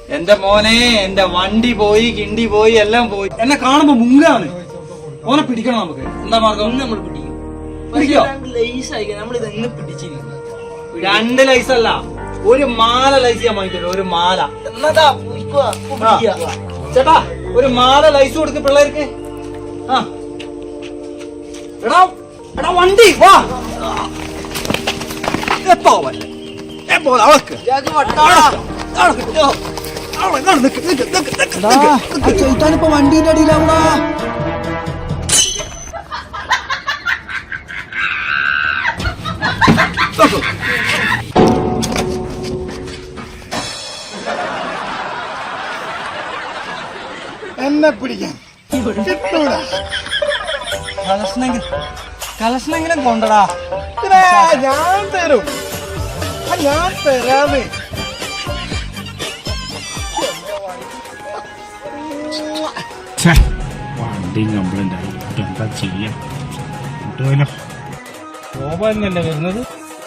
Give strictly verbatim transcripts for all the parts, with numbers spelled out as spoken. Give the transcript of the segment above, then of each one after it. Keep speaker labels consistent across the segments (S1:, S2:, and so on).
S1: എന്റെ മോനെ എന്റെ വണ്ടി പോയി കിണ്ടി പോയി എല്ലാം പോയി. എന്നെ കാണുമ്പോ മുങ്ങാണ്. ഓനെ പിടിക്കണം നമുക്ക്. എന്താ മാർഗം? നമ്മൾ പിടിക്കും. പിടിക്കോ? രണ്ട് ലൈസ് അല്ല, ഒരു മാല ലൈസ് ചെയ്യാൻ വാങ്ങിക്കല്ലോ. ഒരു മാല. ചേട്ടാ ഒരു മാല ലൈസ് കൊടുക്ക് പിള്ളേർക്ക്. ആ എടാ എടാ വണ്ടി വാ. എപ്പോ വല്ല എപ്പോ അവൾക്ക് ചേട്ടാനിപ്പോ വണ്ടീന്റെ അടിയിലാവണ.
S2: എന്നെ പിടിക്കാൻ കിട്ടൂല.
S1: കളക്ഷനെങ്കിലും കളക്ഷനെങ്കിലും കൊണ്ടടാ.
S2: ഞാൻ തരും, ഞാൻ തരാമേ.
S3: വണ്ടി കംപ്ലൈന്റ് ആയി. എന്താ ചെയ്യാ? കിട്ടുമല്ലോ. ഗോപാലനല്ലേ വരുന്നത്?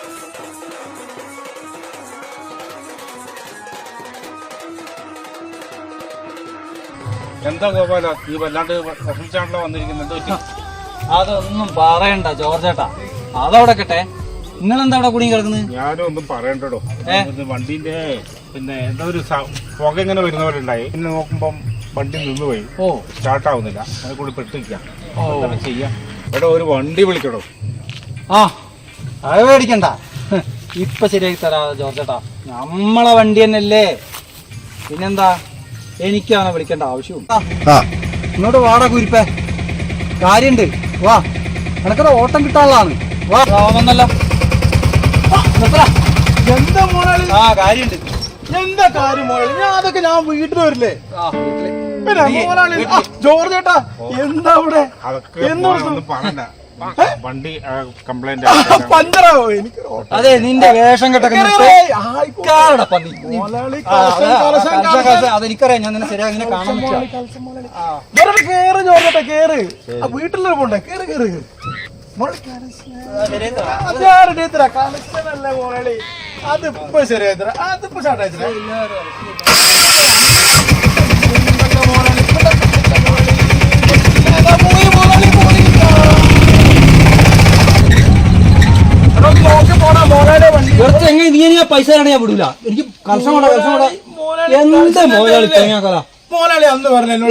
S3: എന്താ ഗോപാല ഈ വല്ലാണ്ട് വിഷമിച്ചാണല്ലോ വന്നിരിക്കുന്നത്?
S1: അതൊന്നും പറയണ്ട ജോർജേട്ടാ, അതവിടെ കട്ടെ. നിങ്ങളെന്താ അവിടെ കുടുങ്ങി കിടക്കുന്നത്?
S3: ഞാനും ഒന്നും പറയണ്ടോ. വണ്ടിന്റെ പിന്നെ എന്താ ഒരു പുക ഇങ്ങനെ വരുന്ന പോലെ ഉണ്ടായി. പിന്നെ നോക്കുമ്പം വണ്ടി നിന്ന് പോയി. ഓ സ്റ്റാർട്ട് ആവുന്നില്ല. അതിനെ കൂടി പെട്ടിരിക്കാം. എന്താ ചെയ്യാ? എടോ ഒരു വണ്ടി വിളിക്കടോ.
S1: ആ അത് മേടിക്കണ്ട, ഇപ്പൊ ശരിയാക്കി തരാ ജോർജേട്ടാ. നമ്മളെ വണ്ടി തന്നെയല്ലേ, പിന്നെന്താ? എനിക്കാണ് വിളിക്കേണ്ട ആവശ്യവും. ഇങ്ങോട്ട് വാടാ കുരിപ്പേ, കാര്യണ്ട്. വാ, നിനക്കത് ഓട്ടം കിട്ടാനുള്ളതാണ്. വാ വന്നല്ലോ.
S2: എന്താ മോളി?
S1: ആ കാര്യണ്ട്.
S2: എന്താ കാര്യം മോളി? ഞാൻ അതൊക്കെ ഞാൻ വീട്ടിൽ വരില്ലേ? പിന്നെ മോളാളി ജോർജേട്ടാ എന്താ അവിടെ?
S3: ഒന്നും പറയണ്ട. വണ്ടി കംപ്ലൈന്റ്
S2: പഞ്ചറാവോ? എനിക്ക്
S1: അതെ നിന്റെ വേഷം കെട്ടൊക്കെ അതെനിക്കറിയാം. ഞാൻ നിന്നെ ശരിയാ ഇങ്ങനെ കാണാൻ
S2: കേറ് ജോർജേട്ടാ, കേറ്. വീട്ടിലൊരു പോണ്ടേ? കേറ് കേറ്. കളക്ഷനല്ലേ മോളി? അതിപ്പോ ശരിയായി തരാം. അതിപ്പോ സ്റ്റാർട്ടായി തരാം.
S1: നീ എനിക്ക് പൈസ തരാണ് ഞാൻ വിടൂല. എനിക്ക് കലശം കൊണ്ടാ കലശം കൊണ്ടാ. എന്താ മോലാളി തേങ്ങാക്കല
S2: മോലാളി അന്ന് പറഞ്ഞോ.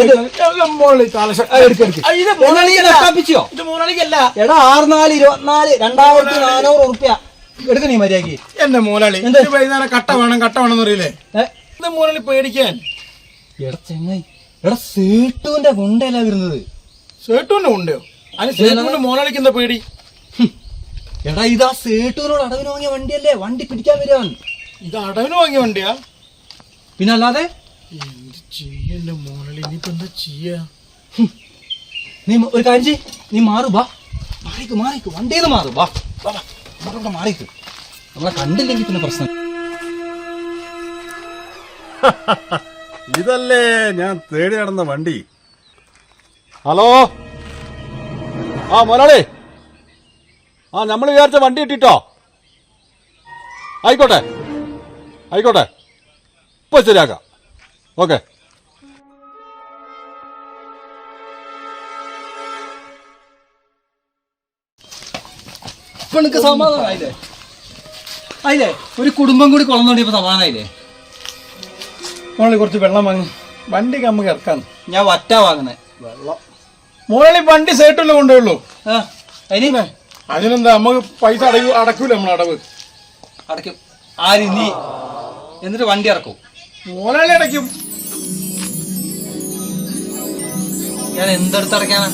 S1: എടാ ആറ് നാല് ഇരുപത്തിനാല് രണ്ടായിരത്തി നാനൂറ് ഉറുപ്പ്യ എടുക്ക നീ മര്യാദക്ക്.
S2: എന്റെ മോലാളി വൈകുന്നേരം കട്ട വേണം കട്ട വേണം അറിയില്ലേ? എന്താ മോലാളി പേടിക്കാൻ?
S1: എടാ ചെങ്ങായി, എടാ സേട്ടുവിന്റെ കൊണ്ടല്ല വരുന്നത്.
S2: സേട്ടുവിന്റെ കൊണ്ടോ? അതിന് സേട്ടുവിന്റെ മോലാളിക്ക് എന്താ പേടി?
S1: എടാ ഇതാ സേട്ടുവിനോട് അടവിന് വാങ്ങിയ വണ്ടിയല്ലേ, വണ്ടി പിടിക്കാൻ വരാൻ.
S2: ഇത് അടവിന് വാങ്ങിയ വണ്ടിയാ?
S1: പിന്നെ അല്ലാതെ
S2: ചെയ്യല്ലേ മോളി? ഇനിയിപ്പോ എന്താ ചെയ്യാ?
S1: നീ ഒരു കാര്യം ചെയ്യ്, നീ മാറു. ബാ മാറിക്ക് മാറിക്ക് വണ്ടിന്ന് മാറു. ബാ ഇവിടെ മാറിക്ക്. നമ്മളെ കണ്ടില്ലെങ്കിൽ പിന്നെ പ്രശ്നം.
S4: ഇതല്ലേ ഞാൻ തേടി നടന്ന വണ്ടി. ഹലോ, ആ മോലാളി, ആ നമ്മൾ വിചാരിച്ച വണ്ടി കിട്ടിട്ടോ. ആയിക്കോട്ടെ ആയിക്കോട്ടെ, ഇപ്പൊ ശരിയാക്കാം. ഓക്കെ.
S1: ഇപ്പൊ നിനക്ക് സമാധാനായില്ലേ? ആയില്ലേ? ഒരു കുടുംബം കൂടി കൊളന്നോണ്ടിയപ്പോ സമാധാനായില്ലേ?
S2: മോളി കുറച്ച് വെള്ളം വാങ്ങി വണ്ടിക്ക് നമുക്ക് ഇറക്കാന്ന്.
S1: ഞാൻ വറ്റാ വാങ്ങുന്നേ വെള്ളം.
S2: മോളി വണ്ടി സേട്ടല്ലേ കൊണ്ടുള്ളൂ.
S1: അതിന്
S2: അതിനെന്താ നമുക്ക് പൈസ അടയൂ അടക്കൂല നമ്മൾ അടവ്
S1: അടയ്ക്കും. ആര് നീ? എന്നിട്ട് വണ്ടി ഇറക്കും.
S2: മോലാളി അടയ്ക്കും.
S1: ഞാൻ എന്തെടുത്ത് അടയ്ക്കാനാ?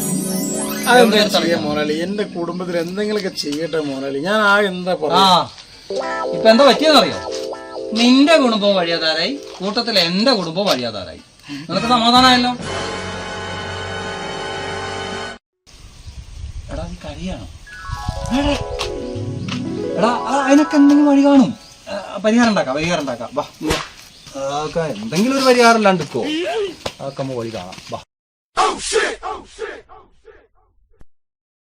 S2: മോലാളി എന്റെ കുടുംബത്തിൽ എന്തെങ്കിലുമൊക്കെ ചെയ്യട്ടെ മോലാളി. ഞാൻ ആ എന്താ
S1: ആ ഇപ്പൊ എന്താ പറ്റിയെന്നറിയോ? നിന്റെ കുടുംബം വഴിയാതാരായി, കൂട്ടത്തിൽ എന്റെ കുടുംബം വഴിയാതാരായി. നിനക്ക് സമാധാനമായല്ലോ. എടാ നീ കരിയാണോ? എടാ അതിനൊക്കെ എന്തെങ്കിലും വഴി കാണും. പരിഹാരം ഉണ്ടാക്കാം പരിഹാരം ഉണ്ടാക്കാം. വാ എന്തെങ്കിലും ഒരു പരിഹാരം ഇല്ലാണ്ട് ഇപ്പോ അതൊക്കെ വഴി കാണാം. വാ.